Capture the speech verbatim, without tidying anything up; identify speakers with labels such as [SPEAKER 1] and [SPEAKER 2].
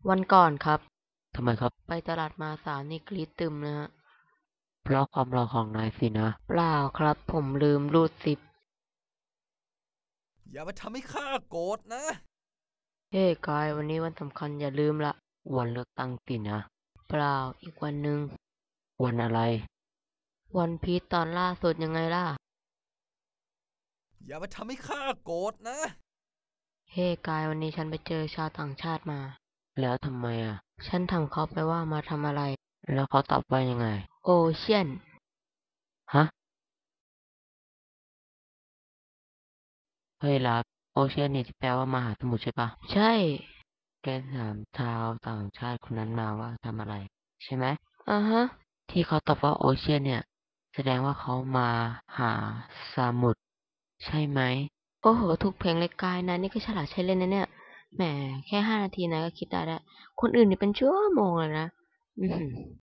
[SPEAKER 1] วันก่อนครับ
[SPEAKER 2] ทำไมครับ
[SPEAKER 1] ไปตลาดมาสาวนี่กรี๊ดตึมนะฮะ
[SPEAKER 2] เพราะความหล่อของนายสินะ
[SPEAKER 1] เปล่าครับผมลืมรูดซิป
[SPEAKER 3] อย่ามาทำให้ข้าโกรธนะ
[SPEAKER 1] เฮ้กายวันนี้วันสำคัญอย่าลืมละ
[SPEAKER 2] วันเลือกตั้งสินะ
[SPEAKER 1] เปล่าอีกวันหนึ่ง
[SPEAKER 2] วันอะไร
[SPEAKER 1] วันพีชตอนล่าสุดยังไงล่ะ
[SPEAKER 3] อย่ามาทำให้ข้าโกรธนะ
[SPEAKER 1] เฮ้กายวันนี้ฉันไปเจอชาวต่างชาติมา
[SPEAKER 2] แล้วทำไมอ่ะ
[SPEAKER 1] ฉันถามเขาไปว่ามาทำอะไร
[SPEAKER 2] แล้วเขาตอบว่ายังไง
[SPEAKER 1] โอเชียน
[SPEAKER 2] ฮะเฮ้ยลับโอเชียนนี่ที่แปลว่ามหาสมุทรใช่ปะ
[SPEAKER 1] ใช่
[SPEAKER 2] แกถามชาวต่างชาติคนนั้นมาว่าทำอะไรใช่ไหม
[SPEAKER 1] อ่าฮะ
[SPEAKER 2] ที่เขาตอบว่าโอเชียนเนี่ยแสดงว่าเขามาหาสมุทรใช่ไหม
[SPEAKER 1] โอ้โหถูกเพลงเลยกายนะนี่ก็ฉลาดใช้เล่นนะเนี่ยแหมแค่ห้านาทีนะก็คิดได้แล้วคนอื่นนี่เป็นชั่วโมงเลยนะอือหือ